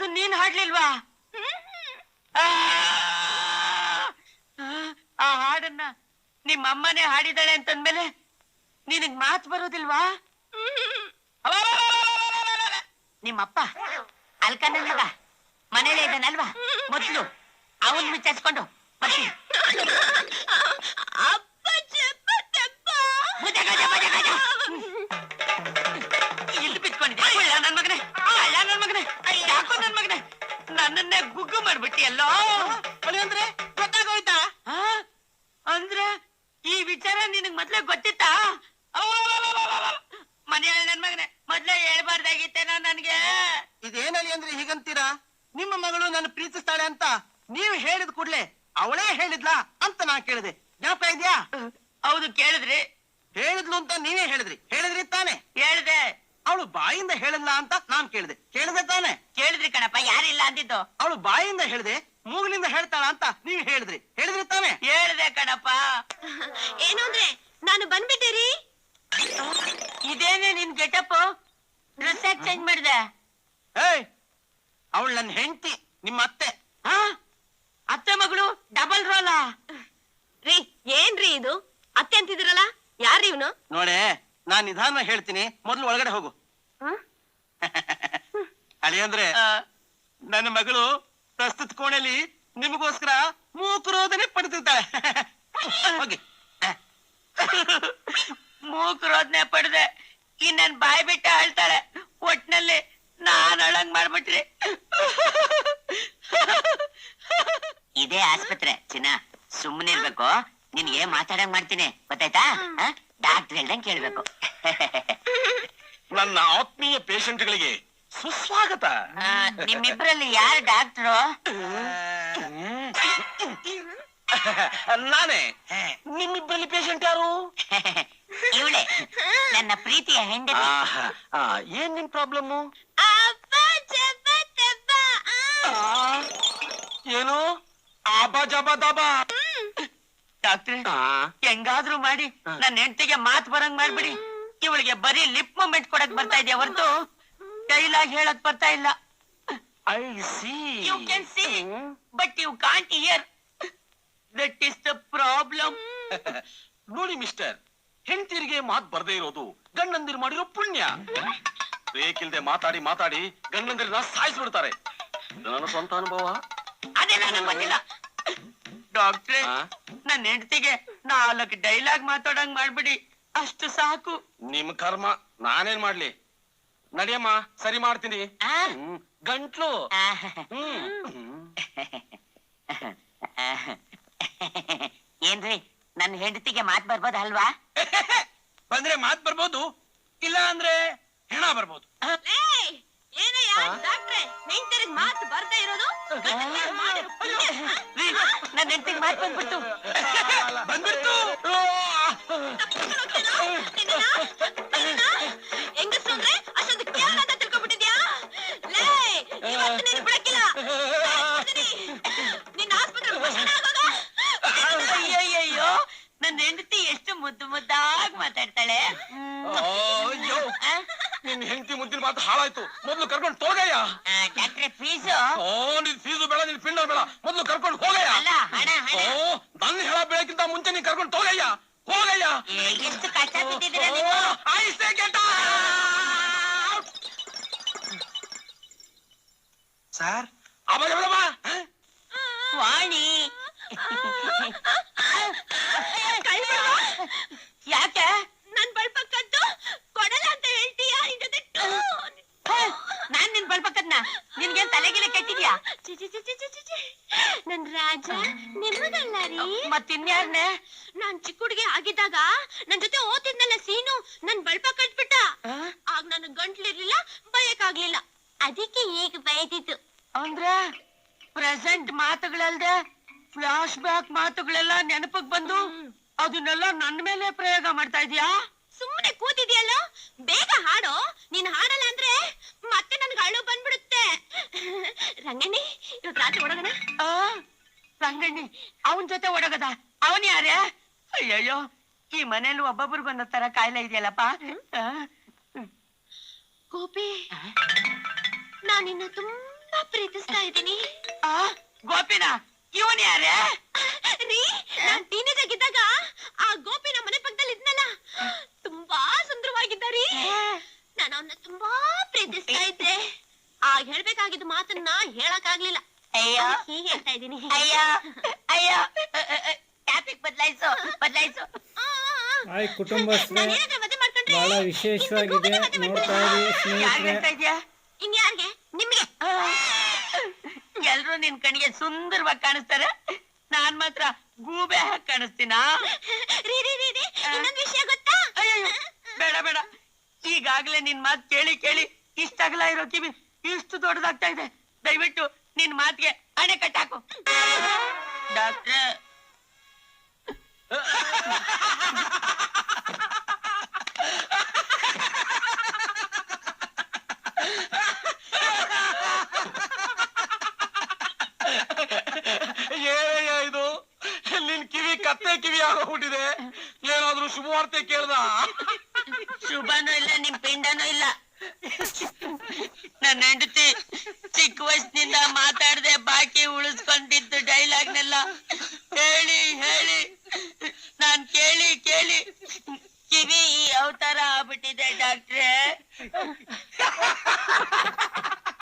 ಅದು ನೀನ್ ಹಾಡ್ಲಿಲ್ವಾ? ಆ ಹಾಡನ್ನ ನಿಮ್ಮಮ್ಮನೇ ಹಾಡಿದಾಳೆ ಅಂತಂದ್ಮೇಲೆ ನಿನಗ್ ಮಾತು ಬರೋದಿಲ್ವಾ? ನಿಮ್ಮಪ್ಪ ಅಲ್ಕ ನನ್ ಮಗ ಮನೇಲೆ ಇದ್ದಾನಲ್ವಾ, ಮೊದ್ಲು ಅವನ್ ವಿಚಾರಿಸ್ಕೊಂಡು ಬರ್ತೀನಿ. ಇಲ್ಲಿ ಬಿತ್ಕೊಂಡಿದ್ದೆ ನನ್ ಮಗನೇ, ನನ್ ಮಗನೇ, ಯಾಕೋ ನನ್ ಮಗನೇ ನನ್ನನ್ನೇ ಗುಗ್ಗು ಮಾಡ್ಬಿಟ್ಟಿ ಎಲ್ಲೋ. ಅಂದ್ರೆ ಗೊತ್ತಾಗೋಯ್ತಾ? ಅಂದ್ರೆ ಈ ವಿಚಾರ ನಿನಗ್ ಮೊದ್ಲೇ ಗೊತ್ತಿತ್ತಾ? ಮನೆಯಲ್ಲಿ ನನ್ ಮಗನೇ ಮೊದ್ಲೇ ಹೇಳ್ಬಾರ್ದಾಗಿತ್ತೇನೋ ನನ್ಗೆ. ಇದೇನಲ್ಲಿ ಅಂದ್ರೆ ಹೀಗಂತೀರಾ? ನಿಮ್ಮ ಮಗಳು ನನ್ನ ಪ್ರೀತಿಸ್ತಾಳೆ ಅಂತ ನೀವು ಹೇಳಿದ ಕೂಡ್ಲೆ ಅವಳೇ ಹೇಳಿದ್ಲಾ ಅಂತ ನಾ ಕೇಳಿದೆ. ಜ್ಞಾಪಕ ಇದ್ಯಾ? ಹೌದು, ಕೇಳಿದ್ರಿ. ಹೇಳಿದ್ಲು ಅಂತ ನೀವೇ ಹೇಳಿದ್ರಿ ತಾನೆ? ಹೇಳ್ದೆ. ಅವಳು ಬಾಯಿಂದ ಹೇಳಿಲ್ಲ ಅಂತ ನಾನ್ ಕೇಳಿದೆ ತಾನೆ? ಕೇಳಿದ್ರಿ ಕಣಪ್ಪ, ಯಾರಿಲ್ಲ ಅಂದಿದ್ದು. ಅವಳು ಬಾಯಿಂದ ಹೇಳಿದೆ, ಮೂಗಿನಿಂದ ಹೇಳ್ತಾಳ ಅಂತ ನೀವು ಹೇಳಿದ್ರಿ ತಾನೆ? ಹೇಳ್ದೆ ಕಣಪ್ಪ. ಏನು ಅಂದ್ರೆ ನಾನು ಬಂದ್ಬಿಟ್ಟೇರಿ. ಇದೇನೆ ನಿನ್ ಗೆಟಪ್? ಡ್ರೆಸ್ ಯಾಕೆ ಚೇಂಜ್ ಮಾಡಿದೆ? ಏಯ್, ಅವಳು ನನ್ನ ಹೆಂಡತಿ, ನಿಮ್ಮ ಅತ್ತೆ. ಅತ್ತೆ ಮಗಳು ಡಬಲ್ ರೋಲಾ? ರೀ ಏನ್ರಿ ಇದು? ಅತ್ತೆ ಅಂತಿದಿರಲ್ಲ, ಯಾರ್ರಿ ಇವನು? ನೋಡೆ, ನಾನ್ ನಿಧಾನ ಹೇಳ್ತೀನಿ, ಮೊದ್ಲು ಒಳಗಡೆ ಹೋಗು. ಅಳಿಯಂದ್ರೆ ನನ್ನ ಮಗಳು ಪ್ರಸ್ತುತ ಕೋಣೆಯಲ್ಲಿ ನಿಮಗೋಸ್ಕರ ಮೂಕರೋದನೆ ಪಡ್ತಿರ್ತಾಳೆ. ಹೋಗಿ. ಮೂಕರೋದನೆ ಪಡೆದೆ ಇನ್ನನ್ ಬಾಯ್ ಬಿಟ್ಟ ಹೇಳ್ತಾಳೆ. ಒಟ್ನಲ್ಲಿ ನಾನ್ ಅಳಂಗ್ ಮಾಡ್ಬಿಟ್ರಿ. ಇದೇ ಆಸ್ಪತ್ರೆ ಚಿನ್ನ, ಸುಮ್ಮನೆ ಇರ್ಬೇಕು. ನಿನ್ಗೆ ಮಾತಾಡಂಗ್ ಮಾಡ್ತೀನಿ, ಗೊತ್ತಾಯ್ತಾ? ಡಾಕ್ಟರ್ ಹೇಳ್ದಂಗ್ ಕೇಳ್ಬೇಕು. ನನ್ನ ಆತ್ಮೀಯ ಪೇಷಂಟ್ಗಳಿಗೆ ಸುಸ್ವಾಗತ. ನಿಮ್ಮಿಬ್ರಲ್ಲಿ ಯಾರು ಡಾಕ್ಟ್ರು? ನಾನೇ. ನಿಮ್ಮಿಬ್ಬರಲ್ಲಿ ಪೇಷಂಟ್ ಯಾರು? ಇವಳೆ ನನ್ನ ಪ್ರೀತಿಯ ಹೆಂಡತಿ. ಏನ್ ನಿಮ್ ಪ್ರಾಬ್ಲಮ್ಮು? ಏನು ಆಬಾ ಜಬಾ ದಬಾ? ಡಾಕ್ಟ್ರೆ, ಹೆಂಗಾದ್ರೂ ಮಾಡಿ ನನ್ನ ಹೆಂಡತಿಗೆ ಮಾತು ಬರಂಗ್ ಮಾಡ್ಬಿಡಿ. ಇವಳಿಗೆ ಬರೀ ಲಿಪ್ ಮೂಮೆಂಟ್ ಕೊಡಕ್ ಬರ್ತಾ ಇದೆಯಾ ಹೊರತು ಡೈಲಾಗ್ ಹೇಳಕ್ ಬರ್ತಾ ಇಲ್ಲ. I see. You can see but you can't hear. That is the problem. ನೋಡಿ ಮಿಸ್ಟರ್, ಹೆಂಡತಿರಿಗೆ ಮಾತ್ ಬರ್ದೇ ಇರೋದು ಗಂಡಂದಿರು ಮಾಡಿರೋ ಪುಣ್ಯ. ಬೇಕಿಲ್ದೆ ಮಾತಾಡಿ ಮಾತಾಡಿ ಗಂಡಂದಿರನ್ನ ಸಾಯಿಸ್ಬಿಡ್ತಾರೆ. ನನ್ನ ಸ್ವಂತ ಅನುಭವ. ಅದೆಲ್ಲ ನಂಗೆ ಗೊತ್ತಿಲ್ಲ ಡಾಕ್ಟ್ರೆ. ನನ್ನ ಹೆಂಡತಿಗೆ 4 ಡೈಲಾಗ್ ಮಾತಾಡಂಗ್ ಮಾಡ್ಬಿಡಿ, ಅಷ್ಟು ಸಾಕು. ನಿಮ್ ಕರ್ಮ, ನಾನೇನ್ ಮಾಡ್ಲಿ? ನಡಿಯಮ್ಮ, ಸರಿ ಮಾಡ್ತೀನಿ. ಗಂಟ್ಲು. ಏನ್ರಿ, ನನ್ನ ಹೆಂಡತಿಗೆ ಮಾತ್ ಬರ್ಬೋದಲ್ವಾ? ಬಂದ್ರೆ ಮಾತ್ ಬರ್ಬೋದು, ಇಲ್ಲ ಅಂದ್ರೆ ಹೆಣ ಬರ್ಬೋದು. ಡಾಕ್ಟ್ರೆ, ಹೆಂಡತಿಗೆ ಮಾತು ಬರ್ತಾ ಇರೋದು ನನ್ನ ಹೆಂಡತಿಗೆ ಮಾತ್ ಬಂದ್ಬಿಡ್ತು. ಹೆಂಗಸ್ರು ಅಂದ್ರೆ ಅಷ್ಟೊಂದು ಕೇವಲ ಅಂತ ತಿಳ್ಕೊಂಡ್ಬಿಟ್ಟಿದ್ಯಾ? ಬಿಡಕ್ಕಿಲ್ಲ. ನಿನ್ನ ಆಸ್ಪತ್ರೆ ಅಯ್ಯಯ್ಯೋ, ನನ್ನ ಹೆಂಡತಿ ಎಷ್ಟು ಮುದ್ದು ಮುದ್ದಾಗಿ ಮಾತಾಡ್ತಾಳೆ. ನಿನ್ ಹೆಂಡತಿ ಮುದ್ದಿನ ಮಾತು ಹಾಳಾಯ್ತು. ಮೊದ್ಲು ಕರ್ಕೊಂಡು ಹೋಗಯ್ಯ. ಡಾಕ್ಟ್ರೆ, ಫೀಸು? ನಿನ್ ಫೀಸು ಬೇಡ, ನಿನ್ ಪಿಂಡ ಬೇಡ, ಮೊದ್ಲು ಕರ್ಕೊಂಡು ಹೋಗಯ್ಯ. ನನ್ನ ಹೇಳ ಬೆಳಕಿಂತ ಮುಂಚೆ ನೀನ್ ಕರ್ಕೊಂಡು ಹೋಗಯ್ಯ. ಎಷ್ಟು ಕಷ್ಟ ಬಿದ್ದಿದ್ದೀರಾ ನೀವು? ಸರ್, ವಾಣಿ, ಯಾಕೆ ನನ್ ಬಳ್ಪ ಕದ್ದು ಕೊಡಲ್ಲ ಅಂತ ಹೇಳ್ತೀಯಾ? ನಿನ್ ಜೊತೆ ನಾನ್ ನಿನ್ ಬಳ್ಪಕ್ಕದ್ನ ನಿನ್ಗೇನ್ ತಲೆಗಿಲೆ ಕೆಟ್ಟಿದ್ಯಾ? ನನ್ ರಾಜ ನಿಮ್ಮದಲ್ಲ ರೀ. ಮತ್ತಿನ್ಯಾರ್ನೆ? ನಾನ್ ಚಿಕ್ಕ ಹುಡುಗಿ ಆಗಿದ್ದಾಗ ನನ್ ಜೊತೆ ಓದಿದ್ನಲ್ಲ ಸೀನು, ನನ್ ಬಳ್ಪ ಕಟ್ಬಿಟ್ಟ. ಆಗ ನನ್ ಗಂಟ್ಲಿರ್ಲಿಲ್ಲ, ಬಯಕಾಗ್ಲಿಲ್ಲ. ಅದಕ್ಕೆ ಈಗ ಬಯದಿತ್ತು. ಅಂದ್ರೆ ಪ್ರೆಸೆಂಟ್ ಮಾತುಗಳಲ್ದೆ ಫ್ಲಾಶ್ ಬ್ಯಾಕ್ ಮಾತುಗಳೆಲ್ಲ ನೆನಪಕ್ ಬಂದು ಅದನ್ನೆಲ್ಲ ನನ್ ಮೇಲೆ ಪ್ರಯೋಗ ಮಾಡ್ತಾ ಇದೀಯಾ? ಸುಮ್ಮನೆ ಕೂತಿದ್ಯಲ್ಲ, ಬೇಗ ಹಾಡು. ನೀನ್ ಹಾಡಲ್ಲ ಅಂದ್ರೆ ಮತ್ತೆ ನನ್ಗೆ ಅಳು ಬಂದ್ಬಿಡುತ್ತೆ. ರಂಗಣ್ಣಿ, ಇವತ್ತು ರಾತ್ರಿ ಓಡೋಣ. ರಂಗಣ್ಣಿ ಅವನ್ ಜೊತೆ ಓಡೋಗದ? ಅವನ್ ಯಾರೇ? ಅಯ್ಯಯ್ಯೋ, ಈ ಮನೇಲಿ ಒಬ್ಬೊಬ್ರಿಗೊಂದ ತರ ಕಾಯಿಲೆ ಇದೆಯಲ್ಲಪ್ಪ. ಗೋಪಿ, ನಾನಿನ್ನ ತುಂಬಾ ತುಂಬಾ ಪ್ರೀತಿಸ್ತಾ ಇದ್ದೀನಿ. ಆ ಗೋಪಿನ ಇವನ್ ಯಾರೇ? ರೀ, ನಾನ್ ಟೀನೇಜ್ ಆಗಿದ್ದಾಗ ಆ ಗೋಪಿ ನಮ್ಮ ಮನೆ ಪಕ್ಕದಲ್ಲಿ ಇದ್ನಲ್ಲ, ತುಂಬಾ ಸುಂದರವಾಗಿದ್ದ ರೀ. ನಾನು ಅವನ್ನ ತುಂಬಾ ಪ್ರೀತಿಸ್ತಾ ಇದ್ದೆ. ಆಗ ಹೇಳ್ಬೇಕಾಗಿದ್ದ ಮಾತನ್ನ ಹೇಳಕ್ ಆಗ್ಲಿಲ್ಲ. ಅಯ್ಯೋ ಹೀಗೆ ಹೇಳ್ತಾ ಇದ್ದೀನಿ. ಅಯ್ಯೋ ಅಯ್ಯೋ ಟಾಪಿಕ್ ಬದಲಾಯಿಸು ಬದಲಾಯಿಸು. ಹಾಯ್ ಕುಟುಂಬಸ್ಥರೇ, ನಾನೇನಾದ್ರೂ ಮದುವೆ ಮಾಡ್ಕೊಂಡ್ರೆ ಬಹಳ ವಿಶೇಷವಾಗಿದೆ, ನೋಡ್ತಾ ಇರಿ ಸ್ನೇಹಿತರೆ. ಯಾರ್ಗಂತ ಇದ್ಯಾ? ಇನ್ಯಾರ್ಗೆ? ನಿಮ್ಗೆ. ಎಲ್ರು ನಿನ್ ಕಣ್ಣಿಗೆ ಸುಂದರವಾಗಿ ಕಾಣಿಸ್ತಾರೆ, ನಾನ್ ಮಾತ್ರ ಗೂಬೆ ಹಾಕಿ ಕಾಣಿಸ್ತೀನಾ? ರೀ ರೀ ರೀ ರೀ, ಇನ್ನೊಂದ್ ವಿಷಯ ಗೊತ್ತಾ? ಅಯ್ಯೋ ಬೇಡ ಬೇಡ, ಈಗಾಗ್ಲೇ ನಿನ್ ಮಾತ್ ಕೇಳಿ ಕೇಳಿ ಇಷ್ಟಾಗಲ ಇರೋ ಕಿವಿ ಇಷ್ಟು ದೊಡ್ಡದಾಗ್ತಾ ಇದೆ. ದಯವಿಟ್ಟು ನಿನ್ ಮಾತಿಗೆ ಅಣೆ ಕಟ್ಟಾಕು. ಡಾಕ್ಟ್ರೆ, ಏನಯ್ಯ ಇದು? ನಿನ್ ಕಿವಿ ಕತ್ತೆ ಕಿವಿ ಆಗೋಗ್ಬಿಟ್ಟಿದೆ. ಏನಾದ್ರೂ ಶುಭವಾರ್ತೆ ಕೇಳ್ದ? ಶುಭನೂ ಇಲ್ಲ, ನಿಮ್ ಪಿಂಡನೂ ಇಲ್ಲ. ನನ್ನ ಹೆಂಡತಿ ಚಿಕ್ಕ ವಯಸ್ಸಿನಿಂದ ಮಾತಾಡದೆ ಬಾಕಿ ಉಳಿಸ್ಕೊಂಡಿದ್ದು ಡೈಲಾಗ್ನೆಲ್ಲ ಹೇಳಿ